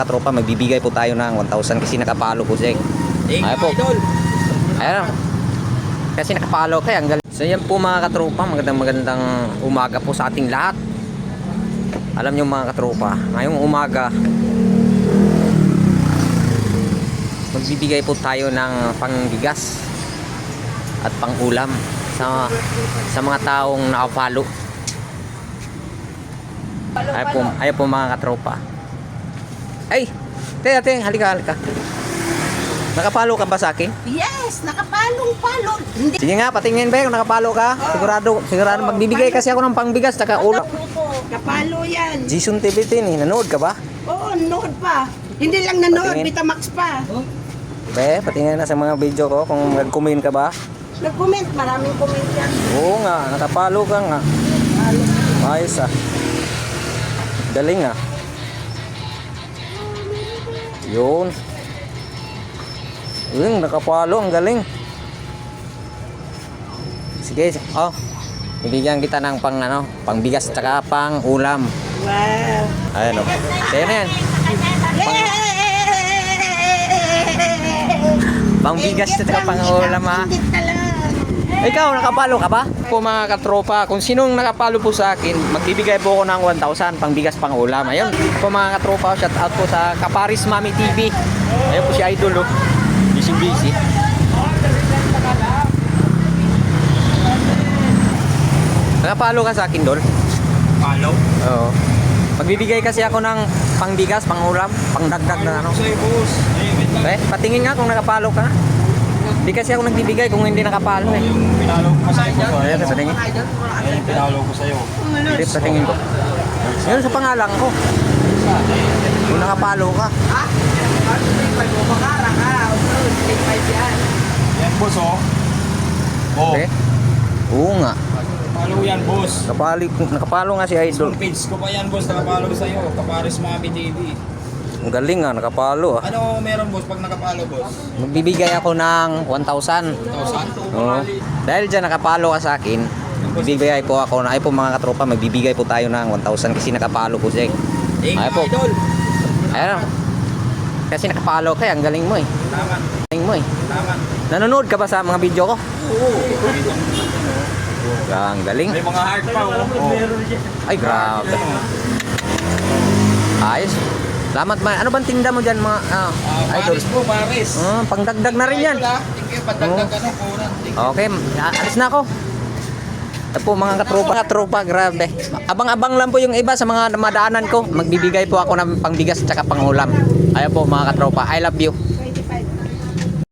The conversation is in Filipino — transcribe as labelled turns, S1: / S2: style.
S1: Tropa, magbibigay po tayo ng 1,000 kasi nakapalo po siya. Ayan po. Ayan. Kasi nakapalo kaya ang galing. So yan po mga katropa, magandang umaga po sa ating lahat. Alam nyo mga katropa, ngayong umaga magbibigay po tayo ng pangbigas at pangulam sa mga taong nakapalo. Ayan po mga katropa. Ay, ate, halika. Nakapalo ka ba sa akin?
S2: Yes, nakapalong-palo. Hindi.
S1: Sige nga, patingin ba kung nakapalo ka? Sigurado magbibigay kasi ako ng pangbigas tsaka ulam.
S2: Kapalo yan.
S1: Jason TV tin, nanood ka ba?
S2: Oo, nanood pa. Hindi lang nanood,
S1: Patingin.
S2: Betamax pa.
S1: Be, patingin na sa mga video ko kung nag-comment ka ba?
S2: Nag-comment, maraming comment yan.
S1: Oo nga, nakapalo ka nga. Ayos ah. Galing ah. Yun. Yun, nakapalo, ang galing. Sige, oh. Bibigyan kita ng pangbigas tsaka pang ulam.
S2: Wow.
S1: Ayan o. Kaya na yan. Pangbigas tsaka pang ulam ha. Ikaw, nakapalo ka ba? Po mga katropa, kung sinong nakapalo po sa akin, magbibigay po ako ng 1,000 pangbigas pang ulam. Ayun po mga katropa, shout out po sa Kaparis Mami TV. Ayun po si Idol oh. Busy. Nakapalo ka sa akin, Dol?
S3: Palo?
S1: Oo. Magbibigay kasi ako ng pangbigas, pangulam, pangdagdag na ano.
S3: Sa'yo, boss.
S1: Patingin nga kung nakapalo ka. Hindi kasi ako nagbibigay kung hindi nakapalo eh.
S3: Yung pinalo ko sa'yo.
S1: Ayan, patingin.
S3: Ayun yung pinalo ko sa'yo.
S1: Hindi, patingin ko. Yun sa pangalan ko. Kung nakapalo ka.
S3: Yan, boss, oh. Oh.
S1: Okay? Oo nga.
S3: Palo yan, boss.
S1: Nakapalo nga si Idol.
S3: Full page ko pa yan, boss. Nakapalo ko sa'yo. Kaparis Mami TV.
S1: Ang galing nga, nakapalo ah.
S3: Ano meron, boss, pag nakapalo, boss?
S1: Magbibigay ako ng 1,000.
S3: 1,000?
S1: Oo. Dahil dyan nakapalo ka sa akin, magbibigay po ako na, ay po mga katropa, magbibigay po tayo ng 1,000 kasi nakapalo po siya.
S3: Thank
S1: Ay
S3: you,
S1: po.
S3: Idol.
S1: Ayan o. Kasi nakapalo ka, ang galing mo eh.
S3: Tama. Tama.
S1: Nanonood ka ba sa mga video ko?
S3: Oo.
S1: Ang galing.
S3: May mga heart pa, oh.
S1: Ay, grabe. Ayos. Salamat man. Ano bang tinda mo dyan mga Idol?
S3: Paris po, Paris.
S1: Pangdagdag na rin yan.
S3: Idol, ah. Thank you, pandagdag ka na, kunan. Thank you.
S1: Okay, alis na ako. Ito po mga katropa, grabe. Abang-abang lang po yung iba sa mga madaanan ko. Magbibigay po ako ng pangbigas at saka pangulam. Ayan po mga katropa, I love you.